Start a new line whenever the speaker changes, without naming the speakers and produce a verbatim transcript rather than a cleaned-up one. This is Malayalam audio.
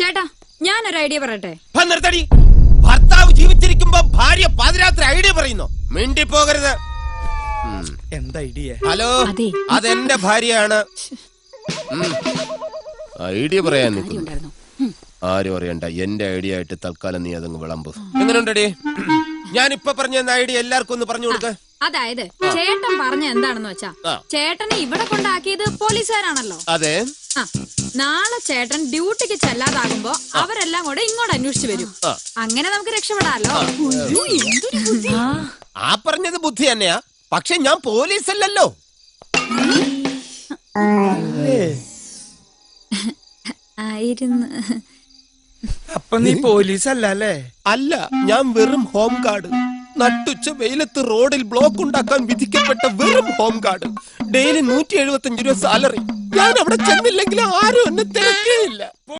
ചേട്ടാ ഞാനൊരു ഐഡിയ പറയട്ടെ.
നിർത്തടി. ഭർത്താവ് ജീവിച്ചിരിക്കുമ്പോ ഭാര്യ പാതിരാത്രി ഐഡിയ പറയുന്നു. മിണ്ടി പോകരുത്.
എന്താ ഐഡിയ?
ഹലോ, അതെന്റെ ഭാര്യയാണ്. ഐഡിയ പറയാൻ നിൽക്കുന്നു. ആരും അറിയണ്ട, എന്റെ ഐഡിയ ആയിട്ട് തൽക്കാലം നീ അതങ്ങ് വിളമ്പ്. എങ്ങനെയുണ്ടടി? ഞാൻ ഇപ്പൊ പറഞ്ഞ ഐഡിയ എല്ലാവർക്കും ഒന്ന് പറഞ്ഞു കൊടുക്ക.
അതായത് ചേട്ടൻ പറഞ്ഞ എന്താണെന്ന് വെച്ചാ, ചേട്ടനെ ഇവിടെ കൊണ്ടാക്കിയത് പോലീസുകാരാണല്ലോ.
അതെ.
നാളെ ചേട്ടൻ ഡ്യൂട്ടിക്ക് ചെല്ലാതാകുമ്പോ അവരെല്ലാം കൂടെ ഇങ്ങോട്ട് അന്വേഷിച്ചു വരും. അങ്ങനെ നമുക്ക് രക്ഷപ്പെടാലോ.
ആ പറഞ്ഞത് ബുദ്ധി തന്നെയാ, പക്ഷെ ഞാൻ പോലീസ് അല്ലല്ലോ.
ആയിരുന്നു.
അപ്പൊ നീ പോലീസ് അല്ലേ?
അല്ല, ഞാൻ വെറും ഹോം ഗാർഡ്. നട്ടുച്ച വെയിലത്ത് റോഡിൽ ബ്ലോക്ക് ഉണ്ടാക്കാൻ വിധിക്കപ്പെട്ട വെറും ഹോം ഗാർഡ്. ഡെയിലി നൂറ്റി എഴുപത്തി അഞ്ച് രൂപ സാലറി. ഞാൻ അവിടെ ചെന്നില്ലെങ്കിൽ ആരും എന്നെ തിരക്കേയില്ല.